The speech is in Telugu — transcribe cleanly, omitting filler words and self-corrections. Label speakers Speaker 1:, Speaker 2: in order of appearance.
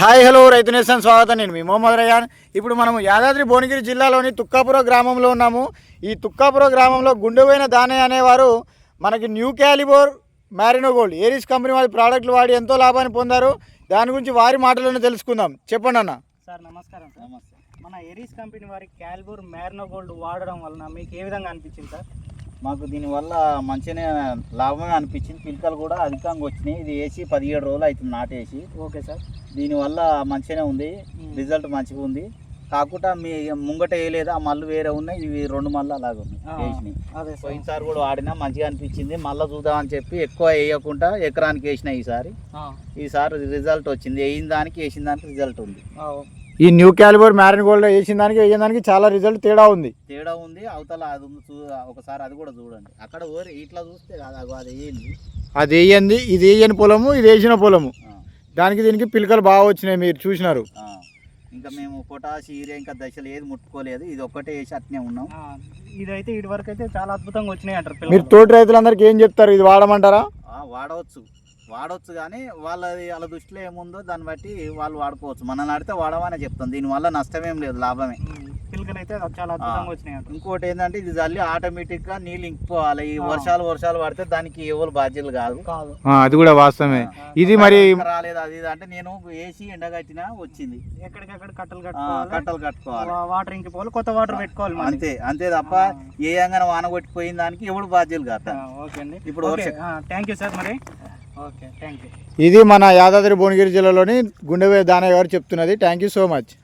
Speaker 1: హాయ్ హలో రైతు నేస్తం స్వాగతం. నేను మీ మొహమ్మద్ రయాన్. ఇప్పుడు మనము యాదాద్రి భువనగిరి జిల్లాలోని తుక్కాపుర గ్రామంలో ఉన్నాము. ఈ తుక్కాపుర గ్రామంలో గుండెపోయిన దానయ్య అనేవారు మనకి new calibre Marino gold Aries company వారి ప్రోడక్ట్లు వాడి ఎంతో లాభాన్ని పొందారు. దాని గురించి వారి మాటలను తెలుసుకుందాం. చెప్పండి అన్న.
Speaker 2: సార్ నమస్కారం. సార్ నమస్తే. మన ఏరిస్ కంపెనీ వారి క్యాలిబర్ మ్యారినో గోల్డ్ వాడడం వలన మీకు ఏ విధంగా అనిపించింది సార్?
Speaker 3: మాకు దీనివల్ల మంచిగానే లాభమే అనిపించింది. పిలకలు కూడా అధికంగా వచ్చినాయి. ఇది వేసి 17 రోజులు అవుతుంది నాటేసి.
Speaker 2: Okay sir.
Speaker 3: దీనివల్ల మంచిగానే ఉంది, రిజల్ట్ మంచిగా ఉంది. కాకుండా మీ ముంగట వేయలేదు, ఆ మళ్ళీ వేరే ఉన్నాయి. ఇవి 2 మళ్ళీ అలాగే ఉన్నాయి వేసినాయి. పోయినసారి కూడా వాడినా మంచిగా అనిపించింది. మళ్ళీ చూద్దామని చెప్పి ఎక్కువ వేయకుండా ఎకరానికి వేసిన ఈసారి రిజల్ట్ వచ్చింది. వేసిన దానికి వేసిన దానికి రిజల్ట్ ఉంది.
Speaker 1: ఈ న్యూ క్యాలిబర్ మ్యారినో గోల్డ్ వేసిన దానికి వేసిన దానికి చాలా రిజల్ట్ తేడా ఉంది.
Speaker 3: అవతల అది ఉంది, ఒకసారి అది కూడా చూడండి. అక్కడ ఇట్లా చూస్తే అది వేయండి,
Speaker 1: అది వేయండి. ఇది వేయని పొలము, ఇది వేసిన పొలము. దానికి దీనికి పిలకలు బాగా వచ్చినాయి, మీరు చూసినారు.
Speaker 3: ఇంకా మేము పొటాష్ యూరియా ఇంకా దశలు ఏది ముట్టుకోలేదు. ఇది ఒక్కటే వేసి అట్నే ఉన్నాం.
Speaker 2: ఇదైతే ఇటు వరకు అయితే చాలా అద్భుతంగా వచ్చినాయి అంటారు.
Speaker 1: మీరు తోటి రైతులందరికీ ఏం చెప్తారు? ఇది వాడమంటారా?
Speaker 3: వాడవచ్చు కానీ వాళ్ళ దృష్టిలో ఏముందో దాన్ని బట్టి వాళ్ళు వాడుకోవచ్చు. మనల్ని ఆడితే వాడమని చెప్తాం. దీనివల్ల నష్టమేం లేదు, లాభమే.
Speaker 2: పిల్లకలు అయితే చాలా అద్భుతంగా వచ్చినాయి.
Speaker 3: ఇంకోటి ఏంటంటే ఇది జల్లి ఆటోమేటిక్గా నీళ్ళు ఇంకిపోవాలి. ఈ వర్షాలు పడితే దానికి ఎవరు బాధ్యులు కాదు.
Speaker 1: అది కూడా వాస్తవమే. ఇది మరి
Speaker 3: రాలేదు అది అంటే నేను వేసి ఎండగట్టినా వచ్చింది.
Speaker 2: ఎక్కడికక్కడ
Speaker 3: కట్టలు కట్టుకోవాలి,
Speaker 2: వాటర్ ఇంకిపోవాలి, కొత్త వాటర్ పెట్టుకోవాలి.
Speaker 3: అంతే తప్ప ఏ అంగన వాన కొట్టిపోయిన దానికి ఎవరు బాధ్యులు కాదు.
Speaker 2: ఓకే అండి.
Speaker 3: ఇప్పుడు
Speaker 2: థ్యాంక్ యూ సార్. మరి ఓకే, థ్యాంక్ యూ.
Speaker 1: ఇది మన యాదాద్రి భువనగిరి జిల్లాలోని గుండెపోయిన దానయ్య గారు చెప్తున్నది. Thank you so much.